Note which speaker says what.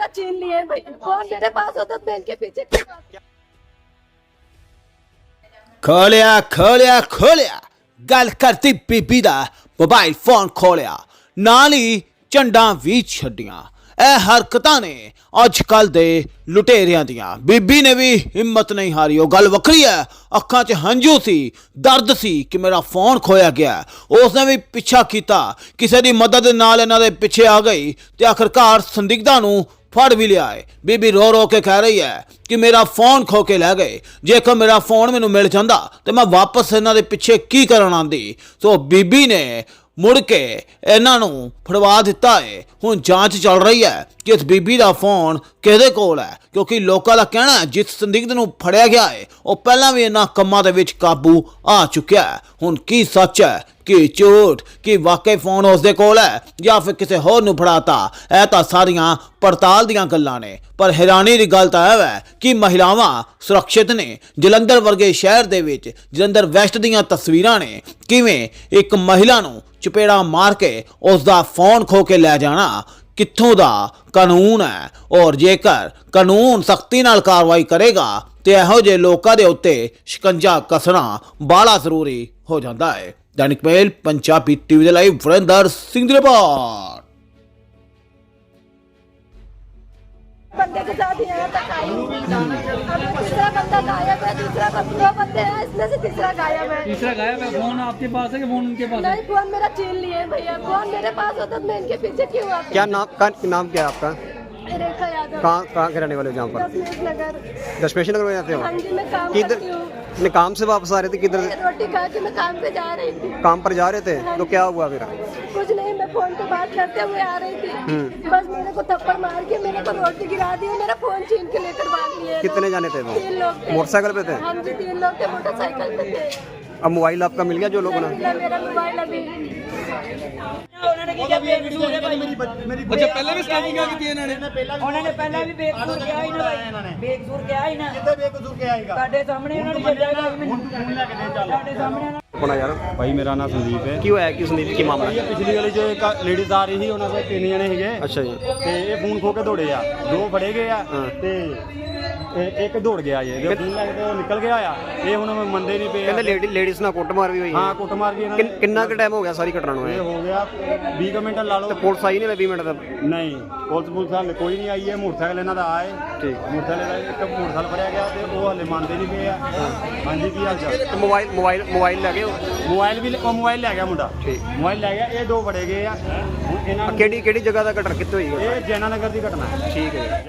Speaker 1: मेरा छीन लिए भैया, फोन मेरे पास होता बैंक के पीछे।
Speaker 2: खोलिया खोलिया खोलिया गल करती बीबी दा मोबाइल फोन खोलिया नाल ही झंडा भी छड्डियां। ਇਹ ਹਰਕਤਾਂ ਨੇ ਅੱਜ ਕੱਲ ਦੇ ਲੁਟੇਰਿਆਂ ਦੀਆਂ। ਬੀਬੀ ਨੇ ਵੀ ਹਿੰਮਤ ਨਹੀਂ ਹਾਰੀ। ਉਹ ਗੱਲ ਵੱਖਰੀ ਹੈ, ਅੱਖਾਂ 'ਚ ਹੰਝੂ ਸੀ, ਦਰਦ ਸੀ ਕਿ ਮੇਰਾ ਫੋਨ ਖੋਇਆ ਗਿਆ। ਉਸਨੇ ਵੀ ਪਿੱਛਾ ਕੀਤਾ, ਕਿਸੇ ਦੀ ਮਦਦ ਨਾਲ ਇਹਨਾਂ ਦੇ ਪਿੱਛੇ ਆ ਗਈ ਤੇ ਆਖਰਕਾਰ ਸੰਦਿਗਧਾਂ ਨੂੰ ਫੜ ਵੀ ਲਿਆ ਹੈ। ਬੀਬੀ ਰੋ ਰੋ ਕੇ ਕਹਿ ਰਹੀ ਹੈ ਕਿ ਮੇਰਾ ਫੋਨ ਖੋ ਕੇ ਲੈ ਗਏ, ਜੇਕਰ ਮੇਰਾ ਫੋਨ ਮੈਨੂੰ ਮਿਲ ਜਾਂਦਾ ਤੇ ਮੈਂ ਵਾਪਸ ਇਹਨਾਂ ਦੇ ਪਿੱਛੇ ਕੀ ਕਰਨ ਆਂਦੀ। ਸੋ ਬੀਬੀ ਨੇ ਮੁੜ ਕੇ ਇਹਨਾਂ ਨੂੰ ਫੜਵਾ ਦਿੱਤਾ ਹੈ। ਹੁਣ ਜਾਂਚ ਚੱਲ ਰਹੀ ਹੈ ਕਿ ਇਸ ਬੀਬੀ ਦਾ ਫੋਨ ਕਿਹਦੇ ਕੋਲ ਹੈ, ਕਿਉਂਕਿ ਲੋਕਾਂ ਦਾ ਕਹਿਣਾ ਹੈ ਜਿਸ ਸੰਦਿਗਧ ਨੂੰ ਫੜਿਆ ਗਿਆ ਹੈ ਉਹ ਪਹਿਲਾਂ ਵੀ ਇਹਨਾਂ ਕੰਮਾਂ ਦੇ ਵਿੱਚ ਕਾਬੂ ਆ ਚੁੱਕਿਆ ਹੈ। ਹੁਣ ਕੀ ਸੱਚ ਹੈ ਕਿ ਝੂਠ, ਕਿ ਵਾਕਈ ਫੋਨ ਉਸਦੇ ਕੋਲ ਹੈ ਜਾਂ ਫਿਰ ਕਿਸੇ ਹੋਰ ਨੂੰ ਫੜਾਤਾ, ਇਹ ਤਾਂ ਸਾਰੀਆਂ ਪੜਤਾਲ ਦੀਆਂ ਗੱਲਾਂ ਨੇ। ਪਰ ਹੈਰਾਨੀ ਦੀ ਗੱਲ ਤਾਂ ਇਹ ਹੈ ਕਿ ਮਹਿਲਾਵਾਂ ਸੁਰੱਖਿਅਤ ਨੇ। ਜਲੰਧਰ ਵਰਗੇ ਸ਼ਹਿਰ ਦੇ ਵਿੱਚ ਜਲੰਧਰ ਵੈਸਟ ਦੀਆਂ ਤਸਵੀਰਾਂ ਨੇ, ਕਿਵੇਂ ਇੱਕ ਮਹਿਲਾ ਨੂੰ ਚਪੇੜਾ ਮਾਰ ਕੇ ਉਸ ਦਾ ਫੋਨ ਖੋ ਕੇ ਲੈ ਜਾਣਾ ਕਿੱਥੋਂ ਦਾ ਕਾਨੂੰਨ ਹੈ। ਔਰ ਜੇਕਰ ਕਾਨੂੰਨ ਸਖਤੀ ਨਾਲ ਕਾਰਵਾਈ ਕਰੇਗਾ ਤੇ ਇਹੋ ਜਿਹੇ ਲੋਕਾਂ ਦੇ ਉੱਤੇ ਸ਼ਿਕੰਜਾ ਕੱਸਣਾ ਬਾਲਾ ਜ਼ਰੂਰੀ ਹੋ ਜਾਂਦਾ ਹੈ। दैनिक मेल पंजाबी टीवी ਦੇ ਲਾਈਵ ਵਰਿੰਦਰ ਸਿੰਘ ਦੀ ਰਿਪੋर्ट।
Speaker 1: बंदे के साथ ही आया था, अब तीसरा बंदा गायब है, दूसरा दो बंदे हैं, इसमें से तीसरा गायब है।
Speaker 3: तीसरा गायब है। फोन आपके पास है कि फोन उनके पास है?
Speaker 1: नहीं, फोन मेरा छीन लिए भैया, फोन मेरे पास होता तो मैं इनके पीछे क्यों आती।
Speaker 4: क्या नाम क्या है आपका?
Speaker 1: रेखा यादव।
Speaker 4: कहाँ के रहने वाले हो? जहाँ पर
Speaker 1: दशमेश नगर।
Speaker 4: दशमेश नगर में जाते हो?
Speaker 1: हाँ जी, मैं काम
Speaker 4: किधर
Speaker 1: करती हूँ।
Speaker 4: अपने काम से वापस आ रहे थे? किधर
Speaker 1: रोटी खा के मैं काम पे जा रही थी।
Speaker 4: काम पर जा रहे थे तो क्या हुआ फिर?
Speaker 1: कुछ नहीं, मैं फोन पे बात करते हुए आ रही थी, बस मेरे को थप्पड़ मार के मेरे को रोटी गिरा दी, मेरा फोन छीन के लेकर भाग लिए।
Speaker 4: कितने जाने थे वो?
Speaker 1: 3 लोग थे।
Speaker 4: मोटरसाइकिल पे थे?
Speaker 1: हाँ जी, 3 लोग थे, मोटरसाइकिल पे थे।
Speaker 4: अब मोबाइल आपका मिल गया जो लोगों ने?
Speaker 1: मिला मेरा मोबाइल अभी।
Speaker 3: अच्छा, पहले भी स्कैनिंग की थी इन्होंने?
Speaker 5: उन्होंने पहले भी बेकसूर किया ही ना, बेकसूर किया ही ना,
Speaker 6: ਕਿੱਥੇ ਬੇਕਸੂਰ ਕੇ ਆਏਗਾ
Speaker 5: साडे सामने उन्होंने छड्डिया ही नहीं,
Speaker 6: ਹੁਣ ਤੂੰ ਫੋਨ ਲੈ ਕੇ ਦੇ ਚੱਲ
Speaker 5: साडे सामने
Speaker 4: अपना यार
Speaker 6: ਭਾਈ ਮੇਰਾ ਨਾਮ ਸੰਦੀਪ ਹੈ।
Speaker 4: ਕੀ ਹੋਇਆ? ਕੀ ਸੰਦੀਪ ਕੀ ਮਾਮਲਾ?
Speaker 6: ਇਹ ਪਿਛਲੀ ਵਾਲੀ ਜੋ ਇੱਕ ਲੇਡੀਜ਼ ਆ ਰਹੀ ਸੀ ਉਹਨਾਂ ਦੇ 3 ਜਣੇ ਸੀਗੇ
Speaker 4: ਅੱਛਾ ਜੀ।
Speaker 6: ਤੇ ਇਹ ਫੋਨ ਖੋ ਕੇ ਦੌੜੇ ਆ, 2 ਫੜੇ ਗਏ ਆ ਤੇ ਇੱਕ ਦੌੜ ਗਿਆ ਜੇ ਫੋਨ ਲੈ ਕੇ ਉਹ ਨਿਕਲ ਗਿਆ ਆ। ਇਹ ਹੁਣ ਮੰਨਦੇ ਨਹੀਂ ਪਏ ਆ।
Speaker 4: ਕਹਿੰਦੇ ਲੇਡੀਜ਼ ਨਾਲ ਕੁੱਟਮਾਰ ਵੀ ਹੋਈ
Speaker 6: ਹਾਂ
Speaker 4: ਹੈ।
Speaker 6: ਕੁੱਟਮਾਰ ਵੀ ਇਹਨਾਂ ਨੇ।
Speaker 4: ਕਿੰਨਾ ਕੁ ਟਾਈਮ ਹੋ ਗਿਆ ਸਾਰੀ ਘਟਨਾ ਨੂੰ?
Speaker 6: ਇਹ ਹੋ ਗਿਆ 20 ਕੁ ਮਿੰਟ ਲਾ ਲਓ।
Speaker 4: ਤੇ ਪੁਲਿਸ ਆਈ ਨਹੀਂ 20 ਮਿੰਟ ਦਾ?
Speaker 6: ਨਹੀਂ, ਪੁਲਿਸ ਹਾਲੇ ਕੋਈ ਨਹੀਂ ਆਈ ਹੈ। ਮੋਟਰਸਾਈਕਲ ਇਹਨਾਂ ਦਾ ਆਏ,
Speaker 4: ਠੀਕ।
Speaker 6: ਮੋਟਰਸਾਈਕਲ ਦਾ ਇੱਕ ਮੋਟਰਸਾਈਕਲ ਫੜਿਆ ਗਿਆ ਤੇ ਉਹ ਹਾਲੇ ਮੰਨਦੇ ਨਹੀਂ ਪਏ ਆ। ਹਾਂਜੀ, ਕੀ ਹਾਲ ਚਾਲ?
Speaker 4: ਤੇ ਮੋਬਾਈਲ ਲੈ ਗਏ ਉਹ?
Speaker 6: ਮੋਬਾਈਲ ਲੈ ਗਿਆ ਮੁੰਡਾ,
Speaker 4: ਠੀਕ।
Speaker 6: ਮੋਬਾਈਲ ਲੈ ਗਿਆ। ਇਹ 2 ਫੜੇ ਗਏ ਆ। ਹੁਣ ਇਹਨਾਂ ਨੂੰ
Speaker 4: ਕਿਹੜੀ ਜਗ੍ਹਾ ਦਾ ਘਟਨਾ ਕਿੱਥੇ ਹੋਈ ਹੈ?
Speaker 6: ਇਹ ਜੈਨਾ ਨਗਰ ਦੀ ਘਟਨਾ ਹੈ।
Speaker 4: ਠੀਕ ਹੈ।